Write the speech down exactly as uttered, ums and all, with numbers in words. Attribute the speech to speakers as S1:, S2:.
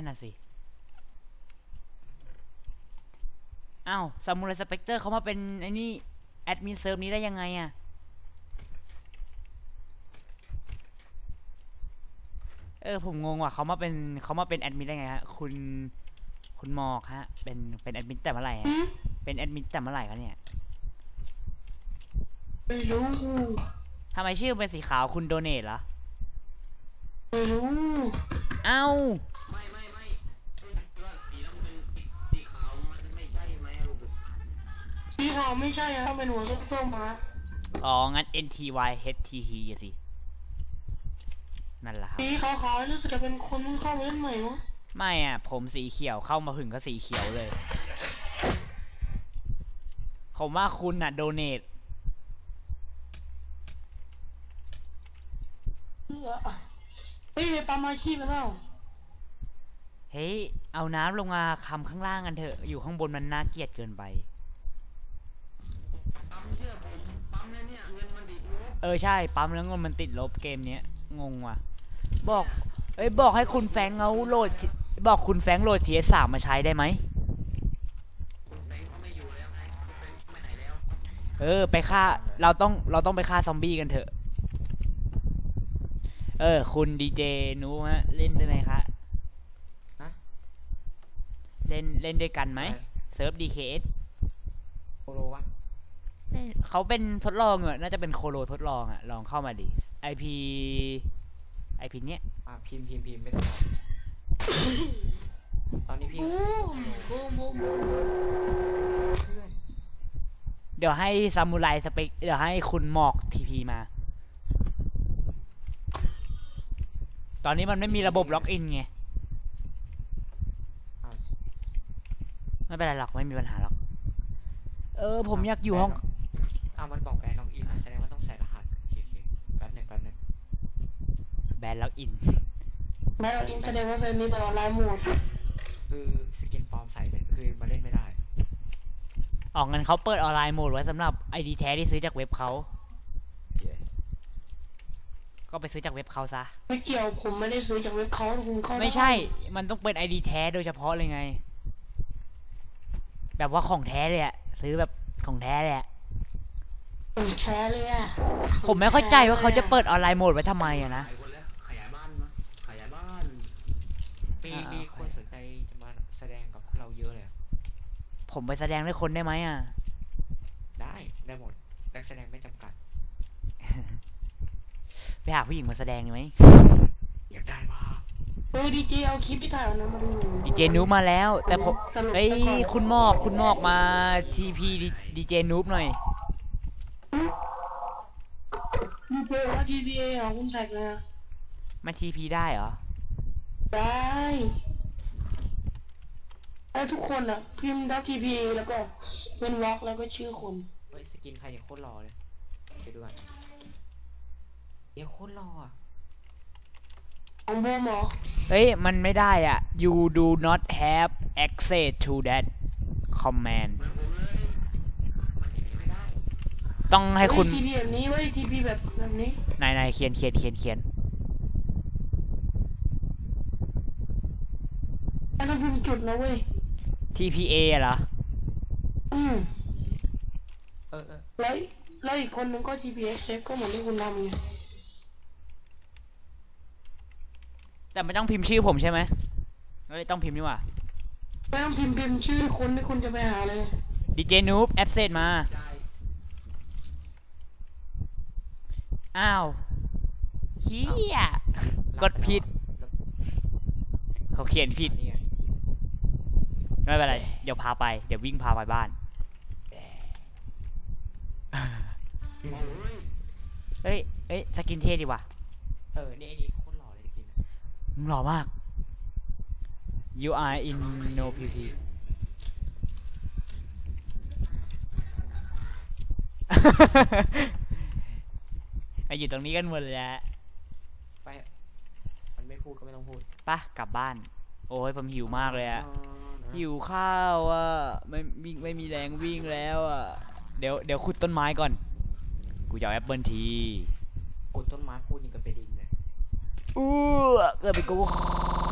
S1: นั่นน่ะสิอ้าวซามูไรสเปกเตอร์เขามาเป็นไอ้นี่แอดมินเซิร์ฟนี้ได้ยังไงอะเออผมงงว่ะเขามาเป็นเขามาเป็นแอดมินได้ไงฮะคุณคุณหมอกฮะเป็นเป็นแอดมินแต่เมื่อไหร่ฮะเป็นแอดมินแต่เมื่อไหร่ครับเนี่ย
S2: ไม่รู้
S1: ทำไมชื่อเป็นสีขาวคุณโดเนทเหรอ
S2: ไม่รู้
S1: เอ้า
S3: ไม่ไม่ไม่ว่าสีน้ำเงินสีขาวมันไม่ใช่ไหมลูก
S2: สีขาวไม่ใช่ครับเป็นหัวส้มๆมา
S1: อ๋องั้น เอ็น ที วาย เอช ที ที สินั่นแหละครับ
S2: สีขาวๆรู้สึกจะเป็นคนเพิ่งเข้ามาเล่นใหม่มั้ง
S1: ไม่อ่ะผมสีเขียวเข้ามาถึงก็สีเขียวเลยผมว่าคุณน่ะโดเนท
S2: เฮ้ยไปปั๊มอาชีพไปแล้ว
S1: เฮ้ยเอาน้ำลงมาคำข้างล่างกันเถอะอยู่ข้างบนมันน่าเกลียดเกินไป
S3: ปั๊มเชื่อผมปั๊มแล้วเนี่ยเงินมันติดลบ
S1: เออใช่ปั๊มแล้วเงินมันติดลบเกมเนี้ยงงว่ะบอกเอ้ยบอกให้คุณแฟงเอาโหลดบอกคุณแฟงโหลด ที เอส สาม มาใช้ได้ไหม
S3: คุณแฟงเขาไม่อยู่แล้วไงคุณแฟงไปไหนแล้ว
S1: เออไปฆ่าเราต้องเราต้องไปฆ่าซอมบี้กันเถอะเออคุณดีเจนูฮะเล่นได้ไหมคะเล่นเล่นด้วยกันไหมเซิร์ฟ ดี เค เอส
S3: โคโลวะ
S1: เขาเป็นทดลองอ่ะน่าจะเป็นโคโลทดลองอ่ะลองเข้ามาดิ ไอ พี ไอ พี เนี้ย
S3: อ่ะพิมพ์พิมพ์พิมพ์ไม่ต้องตอนนี้พี่
S1: เดี๋ยวให้ซามูไรสเปกเดี๋ยวให้คุณหมอกทีพีมาตอนนี้มันไม่มีระบบล็อกอินไงไม่เป็นไรหรอกไม่มีปัญหาหรอกเออผมอยากอยู่ห้อง
S3: อ้าวมันบอกแบนล็อกอินแสดงว่าต้องใส่รหัสโอเคแป๊บนึงแป๊บนึง
S1: แบนล็อกอิน
S2: แบนล็อกอินแสดงว่าเซิร์ฟนี้เป็นออนไลน์โหมด
S3: คือสกินปลอมใส่เป็นคือมาเล่นไม่ได้
S1: ออกเงินเขาเปิดออนไลน์โหมดไว้สำหรับ ไอ ดี แท้ที่ซื้อจากเว็บเขา
S3: yes
S1: ก็ไปซื้อจากเว็บเขาซะ
S2: ไม่เกี่ยวผมไม่ได้ซื้อจากเว็บเขาคุณเข้า
S1: ไม่ใช่มันต้องเป็น ไอ ดี แท้โดยเฉพาะเลยไงแบบว่าของแท้เลยอะซื้อแบบของแท้เลยอะ
S2: ของแท้เลยอะ
S1: ผมไม่เข้าใจว่าเขาจะเปิดออนไลน์โหมดไว้ทำไมอะนะ
S3: ขยายบ้านมาขยายบ้านมีมีคนสนใจจะมาแสดงกับเราเยอะเลย
S1: ผมไปแสดงด้วยคนได้ไหมอะ
S3: ได้ได้หมดนักแสดงไม่จำกัด
S1: ไปหาผู้หญิงมาแสดงไหม
S3: อยากได้มาก
S2: เออดีเจเอาคลิปที่ถ่ายนะมาดู
S1: ดีเจนูบมาแล้วแต่ผมไอ้คุณมอกคุณมอกมาทีพีดีเจนูบหน่อย
S2: ดีเจว่าทีพีเอเหรอคุณแท็กนะ
S1: มาทีพีได้เหรอ
S2: ได้ไอ้ทุกคนอ่ะพิมพ์ดับทีพีแล้วก็เป็นวอล์กแล้วก็ชื่อคน
S3: เฮ้ยสกินใครเนี่ยโคตรหล่อเลยไปดูกันเดี๋ยวโคตรหล่ออ่ะ
S2: ของบูมเหรอ
S1: เฮ้ยมันไม่ได้อ่ะ you do not have access to that command ต้องให้คุณ
S2: ทีพีแบบนี้เว้ยทีพีแบบแบบนี้
S1: นายนายเขียนเขียนเขียนเขียน
S2: ไอ้ต้องพิมพ์จุดนะเว้ย
S1: ที พี เอ เหรอ
S2: อืม
S3: เออเออ
S2: แล้วแล้วอีกคนนึงก็ ที พี เอส เซฟก็เหมือนที่คุณทำไง
S1: แต่ไม่ต้องพิมพ์ชื่อผมใช่ไหมเฮ้ยต้องพิมพ์นี่ว่ะ
S2: ไม่ต้องพิมพ์พิมพ์ชื่อคนที่คุณจะไปหาเลย
S1: ดีเจนูบแอดเซนมาอ้าวเฮียกดผิดเขาเขียนผิดไม่เป็นไรเดี๋ยวพาไปเดี๋ยววิ่งพาไปบ้านเฮ้ยเฮ้ยสกินเท่ดีว่ะ
S3: เออนี่ไอ้นี่โคตรหล่อเลยสกิน
S1: มึงหล่อมาก you are in no พี พี ไออยู่ตรงนี้กันหมดเลยอะ
S3: ไปมันไม่พูดก็ไม่ต้องพูด
S1: ปะกลับบ้านโอ้ยผมหิวมากเลยอะหิวข้าวอ่ะไม่วิ่งไม่มีแรงวิ่งแล้วอ่ะเดี๋ยวเดี๋ยวขุดต้นไม้ก่อนกูจะเอาแอปเปิลที
S3: ขุดต้นไม้พูดยังกับไปดินเลย
S1: อู้เกิดเป็นกู